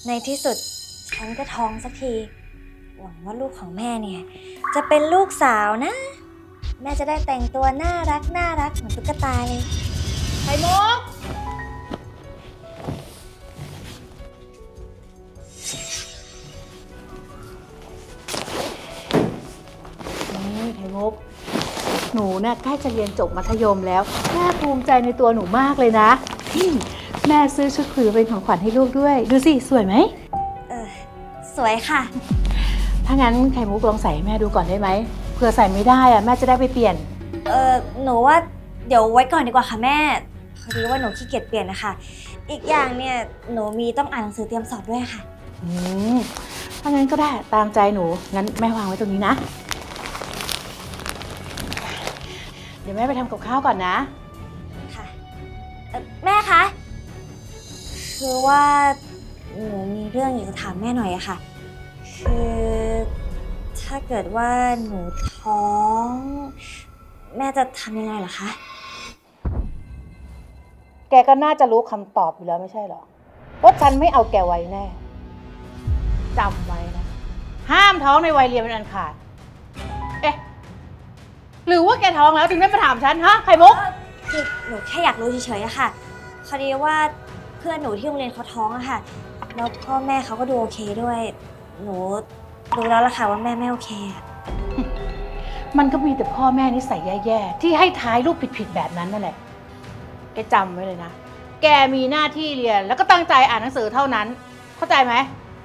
ในที่สุดฉันก็ท้องสักทีหวังว่าลูกของแม่เนี่ยจะเป็นลูกสาวนะแม่จะได้แต่งตัวน่ารักเหมือนตุ๊กตาเลยไข่มุกนี่ไข่มุกหนูเนี่ยใกล้จะเรียนจบมัธยมแล้วแม่ภูมิใจในตัวหนูมากเลยนะแม่ซื้อชุดคุยเป็นของขวัญให้ลูกด้วยดูสิสวยไหมสวยค่ะถ้างั้นไข่มุกลองใส่ให้แม่ดูก่อนได้ไหมเผื่อใส่ไม่ได้อะแม่จะได้ไปเปลี่ยนหนูว่าเดี๋ยวไว้ก่อนดีกว่าค่ะแม่พอดีว่าหนูขี้เกียจเปลี่ยนนะคะอีกอย่างเนี่ยหนูมีต้องอ่านหนังสือเตรียมสอบด้วยค่ะถ้างั้นก็ได้ตามใจหนูงั้นแม่วางไว้ตรงนี้นะเดี๋ยวแม่ไปทำกับข้าวก่อนนะค่ะแม่คะคือว่าหนูมีเรื่องอยากจะถามแม่หน่อยอะค่ะคือถ้าเกิดว่าหนูท้องแม่จะทำยังไงเหรอคะแกก็น่าจะรู้คำตอบอยู่แล้วไม่ใช่หรอว่าฉันไม่เอาแกไว้แน่จำไว้นะห้ามท้องในวัยเรียนเป็นอันขาดเอ๊ะหรือว่าแกท้องแล้วถึงได้มาถามฉันฮะไข่มุกคือหนูแค่อยากรู้เฉยๆอะค่ะพอดีว่าเพื่อนหนูที่โรงเรียนเขาท้องอะค่ะแล้วพ่อแม่เขาก็ดูโอเคด้วยหนูรู้แล้วล่ะค่ะว่าแม่ไม่โอเคอะมันก็มีแต่พ่อแม่นิสัยแย่ๆที่ให้ท้ายลูกผิดๆแบบนั้นนั่นแหละแกจำไว้เลยนะแกมีหน้าที่เรียนแล้วก็ตั้งใจอ่านหนังสือเท่านั้นเข้าใจไหม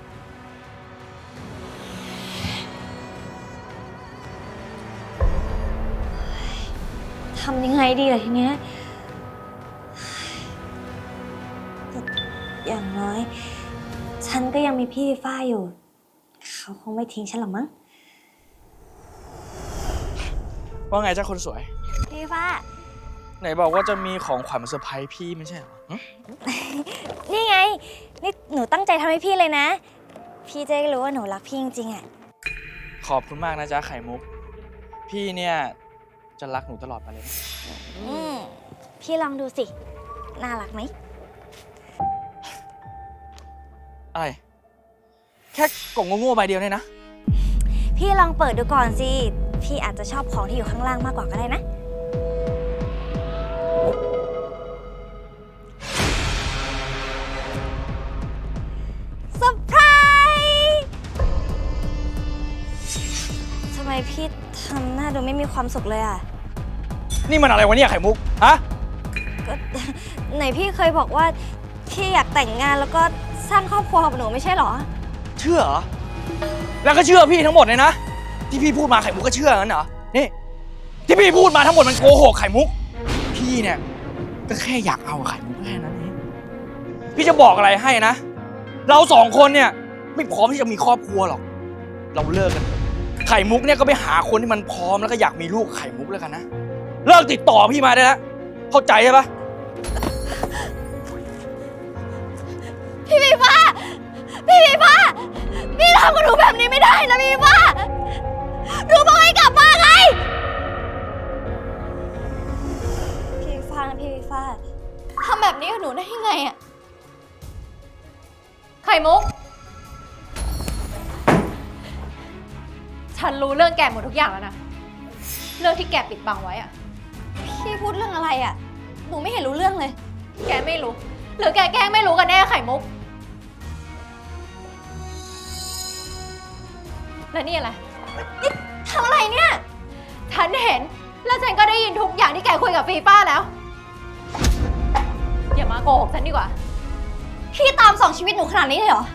ทำยังไงดีล่ะทีเนี้ยอย่างน้อยฉันก็ยังมีพี่ฝ้าอยู่เขาคงไม่ทิ้งฉันหรอกมั้งว่าไงเจ้าคนสวยพี่ฝ้าไหนบอกว่าจะมีของขวัญมาเซอร์ไพรส์พี่ไม่ใช่เหรอนี่ไงนี่หนูตั้งใจทำให้พี่เลยนะพี่จะได้รู้ว่าหนูรักพี่จริงๆอ่ะขอบคุณมากนะจ๊ะไข่มุกพี่เนี่ยจะรักหนูตลอดไปเลยพี่ลองดูสิน่ารักไหมอะไรแค่กล่องโง่ๆใบเดียวเนี่ยนะพี่ลองเปิดดูก่อนสิพี่อาจจะชอบของที่อยู่ข้างล่างมากกว่าก็ได้นะเซอร์ไพรส์ทำไมพี่ทำหน้าดูไม่มีความสุขเลยอ่ะนี่มันอะไรวะเนี่ยไข่มุกฮะก็ไหนพี่เคยบอกว่าพี่อยากแต่งงานแล้วก็สร้างครอบครัวกับหนูไม่ใช่หรอเชื่อเหรอแล้วก็เชื่อพี่ทั้งหมดเลยนะที่พี่พูดมาไข่มุกก็เชื่องั้นเหรอนี่ที่พี่พูดมาทั้งหมดมันโกหกไข่มุกพี่เนี่ยก็แค่อยากเอาไข่มุกแค่นั้นเองพี่จะบอกอะไรให้นะเราสองคนเนี่ยไม่พร้อมที่จะมีครอบครัวหรอกเราเลิกกันไข่มุกเนี่ยก็ไปหาคนที่มันพร้อมแล้วก็อยากมีลูกไข่มุกแล้วกันนะเลิกติดต่อพี่มาได้แล้วเข้าใจใช่ปะพี่วีฟ้าพี่วีฟ้าพี่ทำกับหนูแบบนี้ไม่ได้นะพี่วีฟ้าหนูบอกให้กลับมาไงพี่วีฟ้านะพี่วีฟ้าทำแบบนี้กับหนูได้ยังไงอะไข่มุกฉันรู้เรื่องแกหมดทุกอย่างแล้วนะเรื่องที่แกปิดบังไว้อะพี่พูดเรื่องอะไรอะหนูไม่เห็นรู้เรื่องเลยแกไม่รู้หรือแกแกล้งไม่รู้กันแน่ไข่มุกแล้วนี่อะไรนี่ทำอะไรเนี่ยฉันเห็นแล้วฉันก็ได้ยินทุกอย่างที่แกคุยกับฟีฟ้าแล้วอย่ามาโกหกฉันดีกว่าพี่ตามส่องชีวิตหนูขนาดนี้เลยเหรอ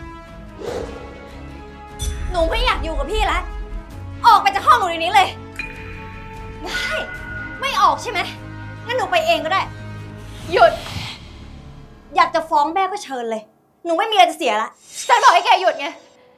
หนูไม่อยากอยู่กับพี่แล้วออกไปจากห้องหนูเดี๋ยวนี้เลยได้ไม่ออกใช่ไหมงั้นหนูไปเองก็ได้หยุดอยากจะฟ้องแม่ก็เชิญเลยหนูไม่มีอะไรจะเสียละฉันบอกให้แกหยุดไง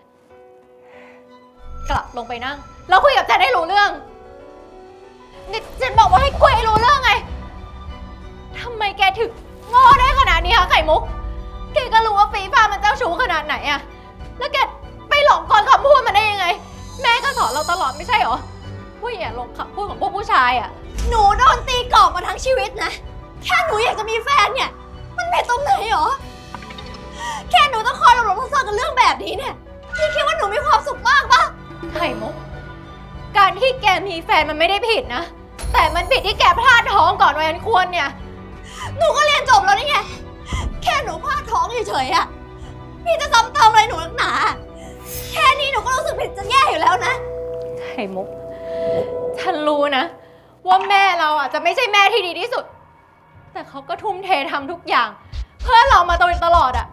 กลับลงไปนั่งแล้วคุยกับฉันให้รู้เรื่องนี่ฉันบอกว่าให้คุยให้รู้เรื่องไงทำไมแกถึงโง่ได้ขนาดนี้คะไข่มุกแกก็รู้ว่าฟีฟ้ามันเจ้าชู้ขนาดไหนอะแล้วแกไปหลงกลคำพูดมันได้ยังไงแม่ก็สอนเราตลอดไม่ใช่หรอว่าอย่าหลงคำพูดของพวกผู้ชายอะหนูโดนตีกรอบมาทั้งชีวิตนะแค่หนูอยากจะมีแฟนเนี่ยมันเป็นตรงไหนหรอแค่หนูต้องคอยหลบๆซ่อนๆกับเรื่องนี้เนี่ยพี่คิดว่าหนูมีความสุขมากปะไข่มุก การที่แกมีแฟนมันไม่ได้ผิดนะ แต่มันผิดที่แกพลาดท้องก่อนวัยอันควรเนี่ย หนูก็เรียนจบแล้วนี่ไง แค่หนูพลาดท้องเฉยๆอะพี่จะซ้ำเติมอะไรหนูนักหนา แค่นี้หนูก็รู้สึกผิดจะแย่อยู่แล้วนะ ไข่มุก ฉันรู้นะ ว่าแม่เราอ่ะจะไม่ใช่แม่ที่ดีที่สุด แต่เขาก็ทุ่มเททำทุกอย่าง เพื่อเรามาตลอดอ่ะ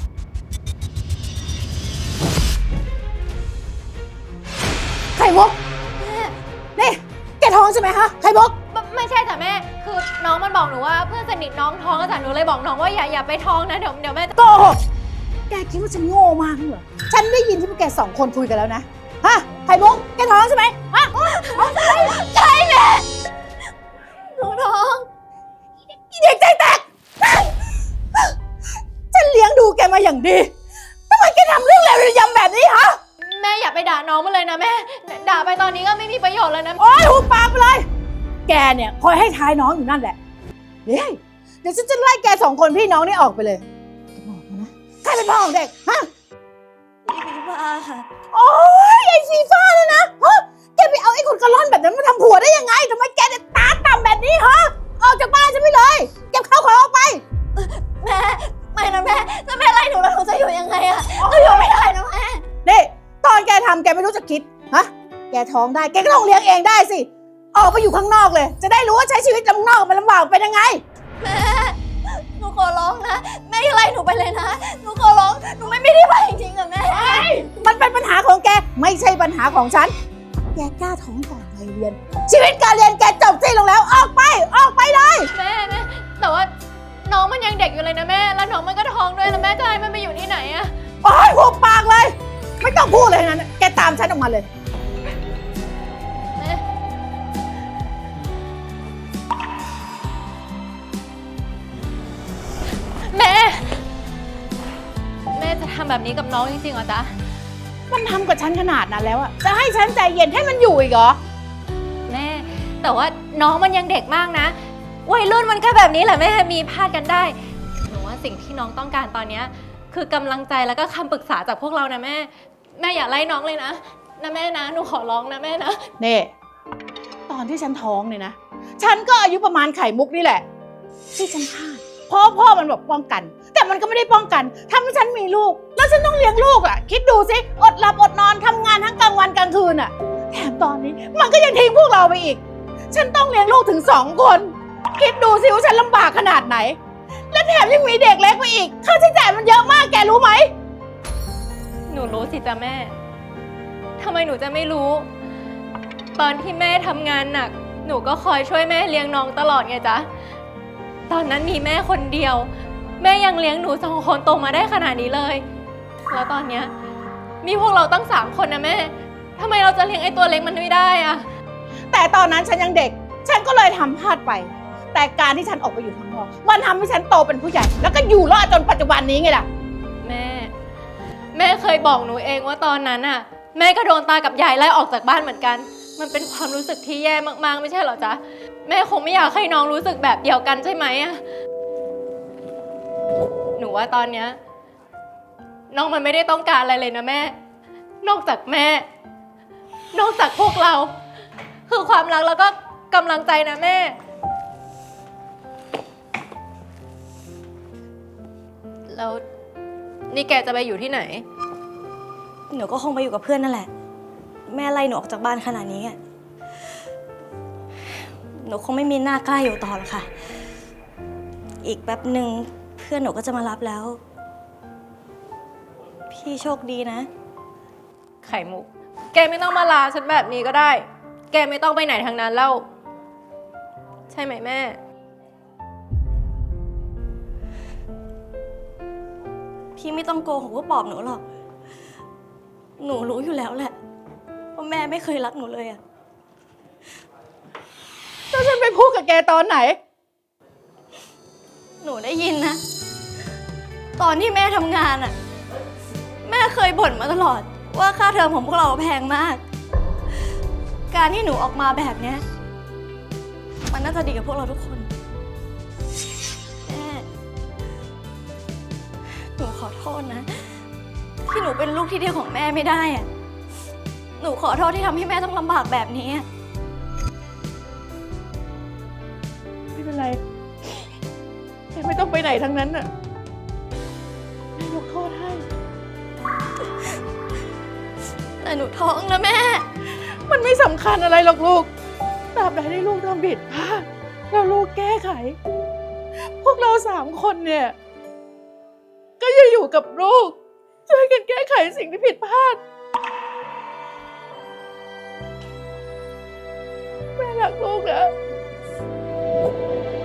ไข่มุกนี่แกท้องใช่ไหมคะไข่มุกไม่ใช่จ้ะแม่ คือน้องมันบอกหนูว่าเพื่อนสนิทน้องท้องก็จ้ะหนูเลยบอกน้องว่าอย่าไปท้องนะเดี๋ยวแม่จะโกหกแกคิดว่าฉันโง่มากเหรอ ฉันได้ยินที่พวกแกสองคนคุยกันแล้วนะ ฮะ ไข่มุก แกท้องใช่ไหมฮะท้องใช่ไหมใช่แม่ หนูท้องอีเด็กใจแตก ฉันเลี้ยงดูแกมาอย่างดีทำไมแกทำเรื่องเลวระยำแบบนี้ฮะแม่อย่าไปด่าน้องมันเลยนะแม่ ด่าไปตอนนี้ก็ไม่มีประโยชน์เลยนะโอ๊ยหุบปากไปเลย แกเนี่ยคอยให้ท้ายน้องอยู่นั่นแหละ เดี๋ยวฉันจะไล่แกสองคนพี่น้องนี่ออกไปเลยแกบอกมานะ ใครเป็นพ่อของเด็ก ฮะพี่ว่าค่ะโอ๊ยไอ้ฟีฟ้าเลยนะฮะแกไปเอาไอ้คนกระล่อนแบบนั้นมาทำผัวได้ยังไงทำไมแกเนี่ยตาต่ำแบบนี้ฮะ ออกจากบ้านฉันไปเลย เก็บข้าวของออกไปแม่ไม่นะแม่ถ้าแม่ไล่หนูแล้วหนูจะอยู่ยังไงอะหนูอยู่ไม่ได้นะแม่นี่ตอนแกทำแกไม่รู้จะคิด ฮะ แกท้องได้ แกก็ต้องเลี้ยงเองได้สิ ออกไปอยู่ข้างนอกเลย จะได้รู้ว่าใช้ชีวิตข้างนอกมันลำบากเป็นยังไงแม่ หนูขอร้องนะ แม่อย่าไล่หนูไปเลยนะ หนูขอร้อง หนูไม่ได้ไปจริงๆอะแม่มันเป็นปัญหาของแก ไม่ใช่ปัญหาของฉัน แกกล้าท้องก่อนวัยเรียน ชีวิตการเรียนแกจบสิ้นลงแล้ว ออกไป ออกไปเลยแม่แต่ว่าน้องมันยังเด็กอยู่เลยนะแม่ แล้วน้องมันก็ท้องด้วยแล้วแม่จะให้มันไปอยู่ที่ไหนอะโอ๊ยหุบปากเลย ไม่ต้องพูดเลยนะแกตามฉันออกมาเลยแม่ แม่จะทำแบบนี้กับน้องจริงๆเหรอจ๊ะมันทำกับฉันขนาดนั้นแล้วอะจะให้ฉันใจเย็นให้มันอยู่อีกเหรอแม่ แต่ว่าน้องมันยังเด็กมากนะ วัยรุ่นมันก็แบบนี้แหละแม่มีพลาดกันได้ หนูว่าสิ่งที่น้องต้องการตอนเนี้ยคือกำลังใจแล้วก็คำปรึกษาจากพวกเรานะแม่ แม่อย่าไล่น้องเลยนะแม่นะ หนูขอร้องนะแม่นะนี่ตอนที่ฉันท้องเนี่ยนะ ฉันก็อายุประมาณไข่มุกนี่แหละ ที่ฉันพลาดเพราะพ่อมันบอกป้องกัน แต่มันก็ไม่ได้ป้องกันทำให้ฉันมีลูก แล้วฉันต้องเลี้ยงลูกอ่ะ คิดดูสิอดหลับอดนอนทำงานทั้งกลางวันกลางคืนอ่ะแถมตอนนี้มันก็ยังทิ้งพวกเราไปอีก ฉันต้องเลี้ยงลูกถึง2 คน คิดดูสิว่าฉันลำบากขนาดไหน และแถมยังมีเด็กเล็กไปอีกค่าใช้จ่ายมันเยอะมากแกรู้ไหมหนูรู้สิจ๊ะแม่ทำไมหนูจะไม่รู้ ตอนที่แม่ทำงานหนัก หนูก็คอยช่วยแม่เลี้ยงน้องตลอดไงจ๊ะ ตอนนั้นมีแม่คนเดียว แม่ยังเลี้ยงหนู2 คนโตมาได้ขนาดนี้เลย แล้วตอนเนี้ยมีพวกเราตั้ง3 คนนะแม่ทำไมเราจะเลี้ยงไอ้ตัวเล็กมันไม่ได้อะแต่ตอนนั้นฉันยังเด็ก ฉันก็เลยทำพลาดไป แต่การที่ฉันออกไปอยู่ข้างนอกมันทำให้ฉันโตเป็นผู้ใหญ่ แล้วก็อยู่รอดจนปัจจุบันนี้ไงล่ะแม่เคยบอกหนูเองว่าตอนนั้นอะแม่ก็โดนตากับยายไล่ออกจากบ้านเหมือนกัน มันเป็นความรู้สึกที่แย่มากๆไม่ใช่เหรอจ๊ะ แม่คงไม่อยากให้น้องรู้สึกแบบเดียวกันใช่ไหมอะหนูว่าตอนเนี้ยน้องมันไม่ได้ต้องการอะไรเลยนะแม่ นอกจากแม่ นอกจากพวกเรา คือความรักแล้วก็กำลังใจนะแม่ แล้วนี่แกจะไปอยู่ที่ไหนหนูก็คงไปอยู่กับเพื่อนนั่นแหละ แม่ไล่หนูออกจากบ้านขนาดนี้อะหนูคงไม่มีหน้ากล้าอยู่ต่อหรอกค่ะ อีกแป๊บหนึ่งเพื่อนหนูก็จะมารับแล้ว พี่โชคดีนะไข่มุก แกไม่ต้องมาลาฉันแบบนี้ก็ได้ แกไม่ต้องไปไหนทางนั้นแล้ว ใช่ไหมแม่พี่ไม่ต้องโกหกว่าปลอบหนูหรอก หนูรู้อยู่แล้วแหละว่าแม่ไม่เคยรักหนูเลยอะแล้วฉันไปพูดกับแกตอนไหนหนูได้ยินนะ ตอนที่แม่ทำงานอะแม่เคยบ่นมาตลอด ว่าค่าเทอมของพวกเราแพงมาก การที่หนูออกมาแบบเนี้ยมันน่าจะดีกับพวกเราทุกคนแม่หนูขอโทษนะที่หนูเป็นลูกที่ดีของแม่ไม่ได้อะหนูขอโทษที่ทำให้แม่ต้องลำบากแบบนี้ไม่เป็นไรแกไม่ต้องไปไหนทั้งนั้นน่ะแม่ยกโทษให้แต่หนูท้องนะแม่มันไม่สำคัญอะไรหรอกลูกตราบใดที่ลูกทำผิดพลาดแล้วลูกแก้ไข พวกเรา3 คนเนี่ย ก็จะอยู่กับลูกช่วยกันแก้ไขสิ่งที่ผิดพลาด แม่รักลูกนะ